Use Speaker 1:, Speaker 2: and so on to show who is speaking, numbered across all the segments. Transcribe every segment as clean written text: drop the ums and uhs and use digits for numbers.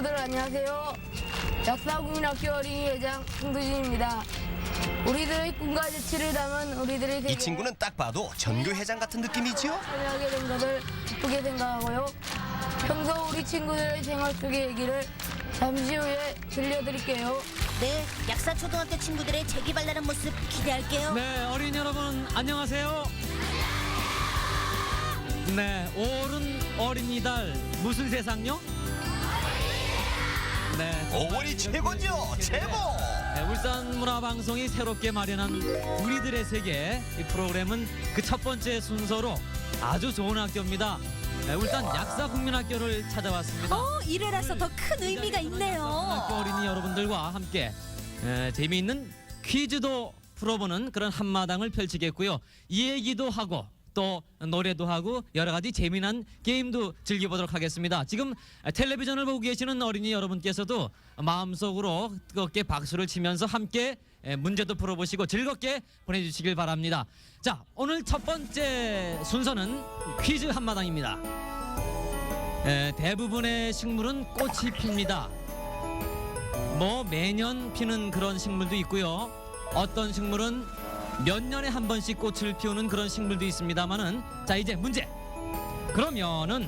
Speaker 1: 친구들 안녕하세요. 약사국민학교 어린이회장 홍두진입니다. 우리들의 꿈과 재치를 담은 우리들의 세계.
Speaker 2: 이 친구는 딱 봐도 전교회장 같은 느낌이지요?
Speaker 1: 참여하게 된 것을 기쁘게 생각하고요. 평소 우리 친구들의 생활 속의 얘기를 잠시 후에 들려드릴게요.
Speaker 3: 네, 약사초등학교 친구들의 재기발랄한 모습 기대할게요.
Speaker 4: 네, 어린이 여러분 안녕하세요. 네, 올은 어린이달 무슨 세상요? 네,
Speaker 2: 5월이 최고죠, 최고!
Speaker 4: 네, 울산문화방송이 새롭게 마련한 우리들의 세계 이 프로그램은 그 첫 번째 순서로 아주 좋은 학교입니다. 네, 울산 약사국민학교를 찾아왔습니다.
Speaker 3: 일회라서 더 큰 의미가
Speaker 4: 학교
Speaker 3: 있네요.
Speaker 4: 어린이 여러분들과 함께 재미있는 퀴즈도 풀어보는 그런 한마당을 펼치겠고요. 얘기도 하고 또 노래도 하고 여러 가지 재미난 게임도 즐겨보도록 하겠습니다. 지금 텔레비전을 보고 계시는 어린이 여러분께서도 마음속으로 뜨겁게 박수를 치면서 함께 문제도 풀어보시고 즐겁게 보내주시길 바랍니다. 자, 오늘 첫 번째 순서는 퀴즈 한마당입니다. 대부분의 식물은 꽃이 핍니다. 뭐 매년 피는 그런 식물도 있고요. 어떤 식물은 몇 년에 한 번씩 꽃을 피우는 그런 식물도 있습니다만은 자, 이제 문제. 그러면은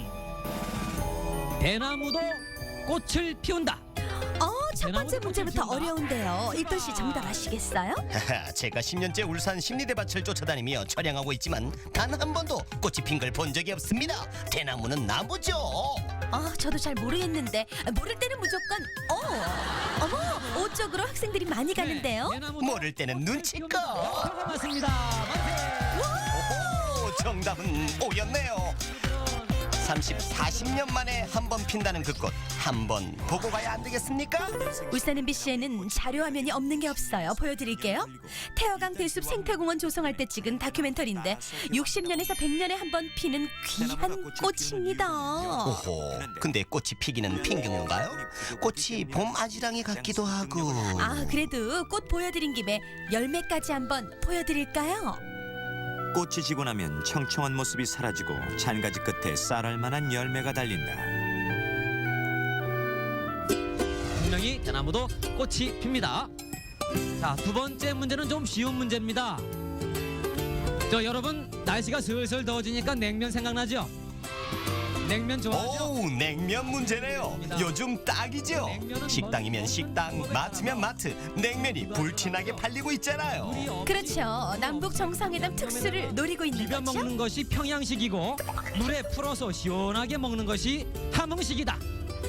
Speaker 4: 대나무도 꽃을 피운다.
Speaker 3: 첫 번째 문제부터 어려운데요. 일돈 씨 정답 아시겠어요?
Speaker 2: 제가 10년째 울산 심리대밭을 쫓아다니며 촬영하고 있지만 단 한 번도 꽃이 핀 걸 본 적이 없습니다. 대나무는 나무죠.
Speaker 3: 저도 잘 모르겠는데 모를 때는 무조건 어머, 옷 쪽으로 학생들이 많이 가는데요.
Speaker 4: 대나무도
Speaker 2: 모를 때는 눈치껏.
Speaker 4: 맞습니다. 만세.
Speaker 2: 오호, 정답은 O였네요. 40년 만에 한 번 핀다는 그 꽃 한 번 보고 가야 안 되겠습니까?
Speaker 3: 울산 MBC에는 자료 화면이 없는 게 없어요. 보여드릴게요. 태화강 대숲 생태공원 조성할 때 찍은 다큐멘터리인데 60년에서 100년에 한 번 피는 귀한 꽃입니다.
Speaker 2: 오호, 근데 꽃이 피기는 핀 건가요? 꽃이 봄 아지랑이 같기도 하고.
Speaker 3: 그래도 꽃 보여드린 김에 열매까지 한번 보여드릴까요?
Speaker 5: 꽃이 지고 나면 청청한 모습이 사라지고 잔가지 끝에 쌀알 만한 열매가 달린다.
Speaker 4: 분명히 대나무도 꽃이 핍니다. 자, 두 번째 문제는 좀 쉬운 문제입니다. 여러분, 날씨가 슬슬 더워지니까 냉면 생각나죠? 냉면 좋아하죠?
Speaker 2: 오, 냉면 문제네요. 요즘 딱이죠. 식당이면 식당, 마트면 마트, 냉면이 불티나게 팔리고 있잖아요.
Speaker 3: 그렇죠. 남북 정상회담 특수를 노리고 있는
Speaker 4: 비벼
Speaker 3: 거죠.
Speaker 4: 먹는 것이 평양식이고 물에 풀어서 시원하게 먹는 것이 함흥식이다.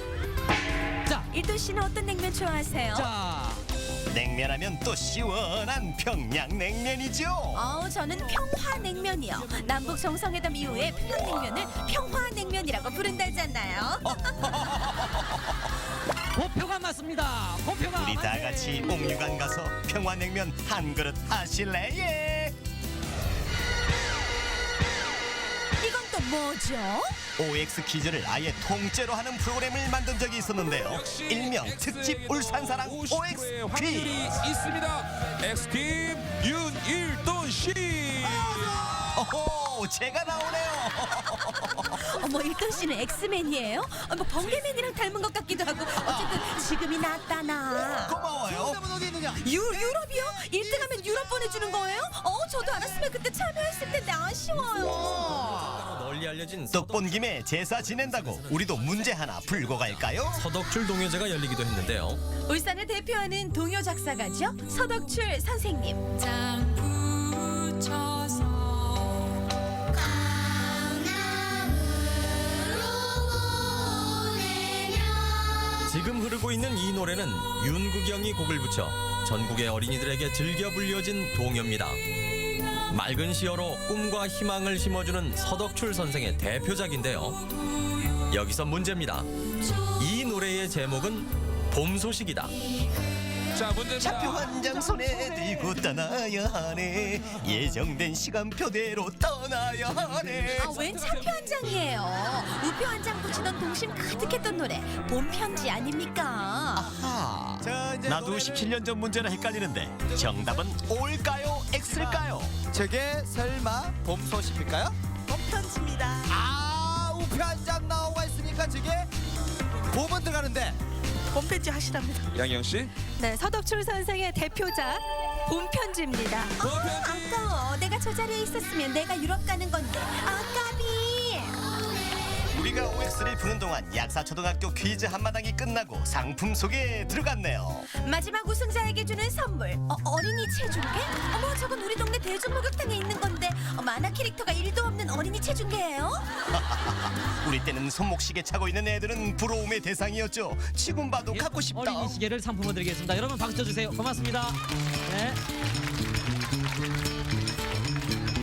Speaker 3: 일돈 씨는 어떤 냉면 좋아하세요?
Speaker 4: 자,
Speaker 2: 냉면하면 또 시원한 평양냉면이죠.
Speaker 3: 저는 평화냉면이요. 남북 정상회담 이후에 평양냉면을 평화냉면이라고 부른다잖아요.
Speaker 4: 고표가 맞습니다. 고표가
Speaker 2: 우리 다 같이 옥류관 가서 평화냉면 한 그릇 하실래? 예.
Speaker 3: 이건 또 뭐죠?
Speaker 2: OX 퀴즈를 아예 통째로 하는 프로그램을 만든 적이 있었는데요. 일명 특집 울산사랑 OX 퀴즈.
Speaker 6: 있습니다. 엑스팀 윤일돈 씨.
Speaker 2: 오호, 제가 나오네요.
Speaker 3: 일돈 씨는 엑스맨이에요? 뭐 번개맨이랑 닮은 것 같기도 하고 어쨌든 지금이 낫다 나.
Speaker 2: 고마워요.
Speaker 3: 유럽이요? 1등하면 유럽 보내주는 거예요? 저도 알았으면 그때 참여했을 텐데 아쉬워요.
Speaker 7: 널리 알려진
Speaker 2: 떡본 김에 제사 지낸다고 우리도 문제 하나 풀고 갈까요?
Speaker 7: 서덕출 동요제가 열리기도 했는데요.
Speaker 3: 울산을 대표하는 동요 작사가죠? 서덕출 선생님.
Speaker 7: 지금 흐르고 있는 이 노래는 윤국영이 곡을 붙여 전국의 어린이들에게 즐겨 불려진 동요입니다. 맑은 시어로 꿈과 희망을 심어주는 서덕출 선생의 대표작인데요. 여기서 문제입니다. 이 노래의 제목은 봄 소식이다.
Speaker 6: 자, 문제입니다.
Speaker 2: 차표 한 장 손에 들고 떠나야 하네. 예정된 시간표대로 떠나야 하네.
Speaker 3: 웬 차표 한 장이에요? 우표 한 장 붙이던 동심 가득했던 노래 봄 편지 아닙니까?
Speaker 2: 아하. 나도 17년 전 문제랑 헷갈리는데 정답은 O일까요? X일까요?
Speaker 8: 저게 설마 봄 소식일까요? 봄 편지입니다. 우표 한 장 나오고 있으니까 저게 봄은 들어가는데
Speaker 9: 봄편지 하시랍니다.
Speaker 6: 양영 씨.
Speaker 3: 네, 서덕출 선생의 대표작 봄편지입니다. 아까워. 내가 저 자리에 있었으면 내가 유럽 가는 건데. 아까비.
Speaker 2: 우리가 OX를 푸는 동안 약사초등학교 퀴즈 한마당이 끝나고 상품 소개에 들어갔네요.
Speaker 3: 마지막 우승자에게 주는 선물. 어린이 체중계? 어머, 저건 우리 동네 대중목욕탕에 있는 건데 만화 캐릭터가 1도 없는 어린이 체중계예요?
Speaker 2: 우리 때는 손목시계 차고 있는 애들은 부러움의 대상이었죠. 지금 봐도 갖고 싶다.
Speaker 4: 어린이 시계를 상품으로 드리겠습니다. 여러분 박수 쳐주세요. 고맙습니다. 네.